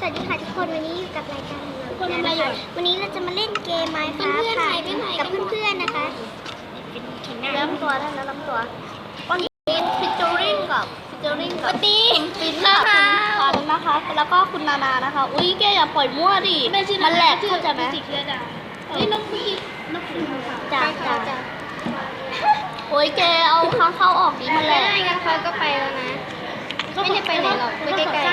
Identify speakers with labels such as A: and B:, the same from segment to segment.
A: วัสดีค่ะทุกคนวันนี้อยู่กับรายการของเรานะคะวันนี้เราจะมาเล่นเกมไมค์ค่ะกับเพื่อนๆนะคะเริ่มตัวได้แล้วเริ่มตัววันนี้ฟิชเจอริงกับวันนี้ฟินนะคะคุณนะคะ แล้วก็คุณนานานะคะอุ้ยแกอย่าปล่อยมั่วดิมันแหลกเข้าใจไหมนี่น้องพี่น้องพี่จ้าโอ้ยแกเอาค้างเข้าออกดิมันแหลกงั้นเขาก็ไปแล้วนะไม่ได้ไปไหนหรอกไปใกล้ๆ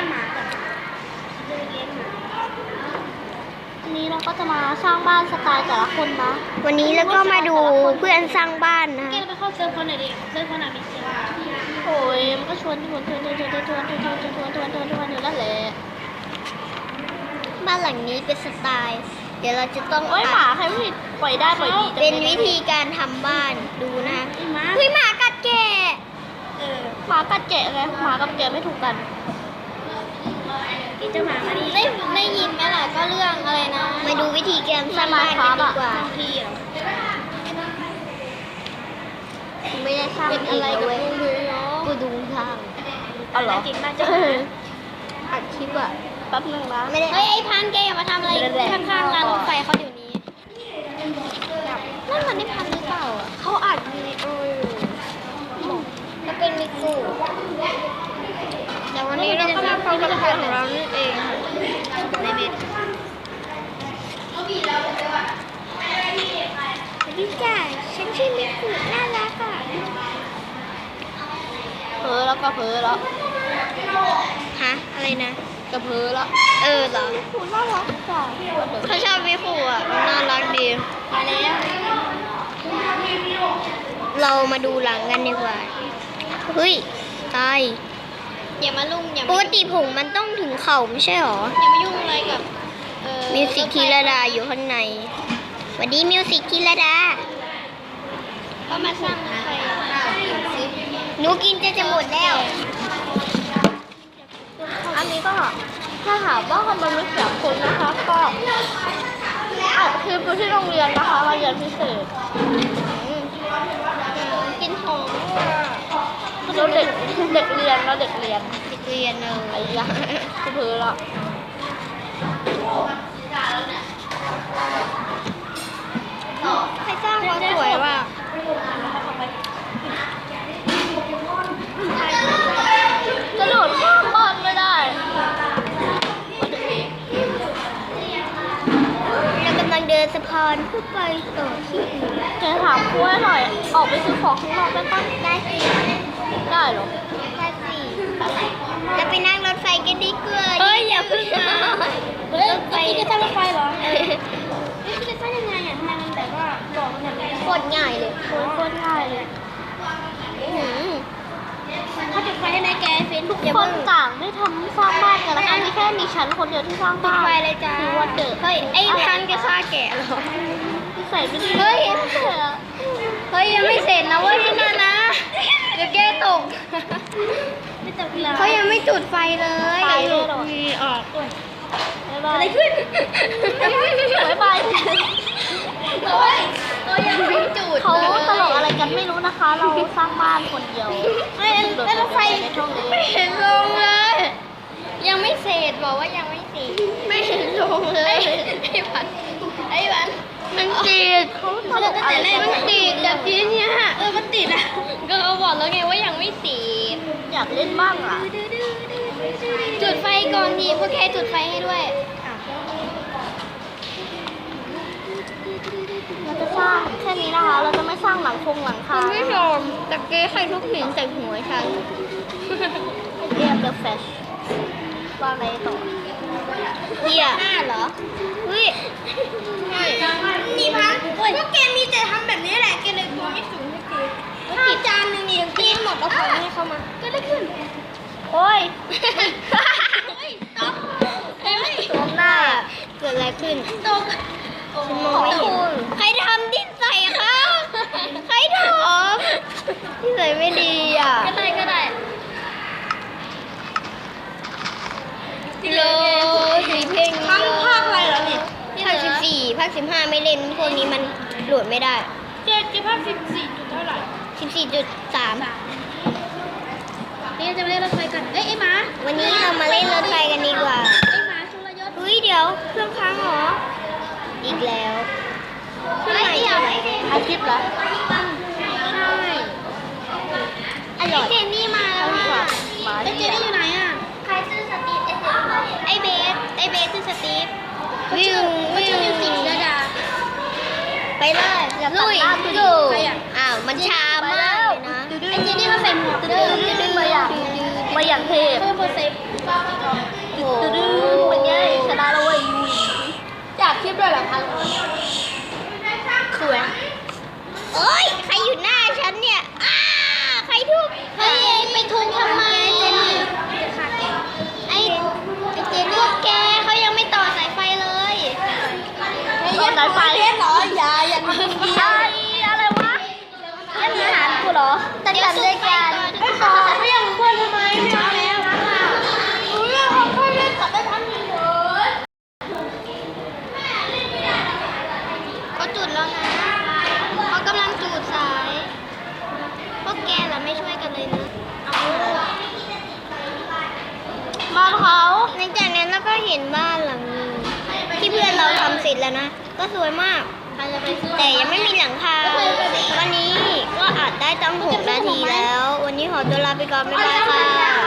A: วันนี้เราก็จะมาสร้างบ้านสไตล์แต่ละคนนะวันนี้แล้วก็มาดูเพื่อนสร้างบ้านนะแกไปเข้าเซิร์ฟคนไหนดิเซิร์ฟคนไหนมีเสียงโอ้ยมันก็ชวนอยู่นั่นแหละบ้านหลังนี้เป็นสไตล์เดี๋ยวเราจะต้องโอ้ยหมาใครไม่ปล่อยได้ปล่อยดีเป็นวิธีการทำบ้านดูนะเฮ้ยหมากัดแกะหมากัดแกะไงหมากับแกะไม่ถูกกันจะมาได้ยินไหมล่ะก็เรื่องอะไรนะมาดูวิธีการสร้างบ้านกันดีกว่าไม่ได้สร้างอะไรกับกูดูทางอ๋อเหรออัดคลิปอะแป๊บนึงนะเฮ้ยไอ้พันแกอย่ามาทำอะไรข้างๆร้านรถไฟเขาเดี๋ยวนี้นั่นมันไม่พันหรือเปล่าเขาอัดวิดีโออยู่ก็เป็นมิกูแต่วันนี้เราก็มาฟังคำถามของเรานั่นเองในเม็ดดิจ้าฉันชื่อมิกุน่ารักอ่ะเพ้อแล้วก็เพ้อแล้วฮะอะไรนะก็เพ้อแล้วเหรอมิกุน่ารักจ้ะเขาชอบมิกุอ่ะน่ารักดีมาแล้วเรามาดูหลังกันดีกว่าเฮ้ยตายอย่ามาลุ่มปกติผงมันต้องถึงเข่าไม่ใช่หรออย่ามายุ่งอะไรกับมิวสิกธีรดาอยู่ข้างในสวัสดีมิวสิกธีรดาก็มาสร้างใครหนูกินจะหมดแล้วอันนี้ก็ถ้าหากว่ามันไม่เสียคนนะคะก็อัดคลิปที่โรงเรียนนะคะมาเรียนพิเศษกินของเราเด็กเรียนเราเด็กเรียนอะไรอย่างเงี้ยเพื่อละใครสร้างเขาสวยว่ะกระโดดข้ามบ้านไม่ได้เรากำลังเดินสะพานเพื่อไปต่อที่อื่นจะถามคุยหน่อยออกไปซื้อของข้างนอกได้ปะได้สิได้หรอได้สิจะไปนั่งรถไฟกันดีกว่าเฮ้ยอย่าเพิ่งนะรถไฟจะสร้างรถไฟเหรอจะสร้างยังไงอ่ะทำไมมันแบบว่าบอกมันแบบโคตรง่ายเลยโคตรง่ายเลยเขาจุดไฟให้ไหมแกเฟนทุกคนต่างได้ทำสร้างบ้านกันนะคะไม่แค่มีฉันคนเดียวที่สร้างบ้านไฟเลยจ้าคือวันเกิดเฮ้ยไอ้พันแกฆ่าแกะเหรอใส่ไม่ดีเฮ้ยยังไม่เสร็จนะเว้ยพี่นานะเดี๋ยวแกตกเขายังไม่จุดไฟเลยมีออกอะไรขึ้นบายตัวยังไม่จุดเขาตลกอะไรกันไม่รู้นะคะเราสร้างบ้านคนเดียวแล้วรถไฟไม่เห็นลงเลยยังไม่เสร็จบอกว่ายังไม่เสร็จไม่เห็นลงเลยไอ้วันมันติดเขาตลกอะไรมันติดแบบนี้เนี่ยมันติดอ่ะก็เขาบอกแล้วไงว่ายังไม่ติดอยากเล่นบ้างอ่ะจุดไฟก่อนดีพวกแกจุดไฟให้ด้วยเราจะสร้างแค่นี้นะคะเราจะไม่สร้างหลังคาคุณผู้ชมตะเกียบใครทุกหินใส่หัวฉันเรียบเดอะแฟชว่าอะไรต่อเฮีย5เหรอเฮ้ยนี่พันพวกแกมีแต่ทำแบบนี้แหละแกเลยตัวไม่สูงให้เกินข้าวจานหนึ่งนี่กินหมดแล้วของให้เข้ามาก็ได้ขึ้นโอ้ยตกตกหน้าเกิดอะไรขึ้นตกฉันมองไม่เห็นใครทำดิ้นใส่คะใครทำดิ้นใส่ไม่ดีอ่ะก็ได้โลสีเพลงภาคอะไรเหรอเนี่ยภาค14ภาค15ไม่เล่นพวกนี้มันโหลดไม่ได้เจ๊ภาค14จุดเท่าไหร่14.3นี่จะมาเล่นรถไฟกันไอ้หมาวันนี้เรามาเล่นรถไฟกันดีกว่าไอ้หมาช่วยวิ่งไปเลยอย่าตัดหน้าดูอ้าวมันช้ามากเลยนะไอ้เจนี่เขาใส่หมวกดื้อมาอย่างเทพโอ้โหเป็นไงชนะแล้วเว้ยจากคลิปด้วยเหรอคะสวยเอ้ยใครอยู่หน้าฉันเนี่ยใครทุบเฮ้ยไปทุบทำไมไอ้เจนี่พวกแกเขายังไม่ต่อสายไฟเลยต่อสายไฟเหรออย่าอะไรวะเล่นอาหารกูเหรอตัดด้วยกันไม่ต่อไม่ยังควรทำไมไม่เอาแล้วรู้เรื่องเขาค่อยเล่นตัดได้ทันทีเลยเขาจุดแล้วนะเขากำลังจุดสายพวกแกล่ะไม่ช่วยกันเลยนะบ้านเขาหลังจากนั้นเราก็เห็นบ้านหลังนึงที่เพื่อนเราทำเสร็จแล้วนะก็สวยมากแต่ยังไม่มีหลังคาวันนี้ก็อัดได้ตั้ง6 นาทีแล้ววันนี้ขอตัวลาไปก่อนบ๊ายบายค่ะ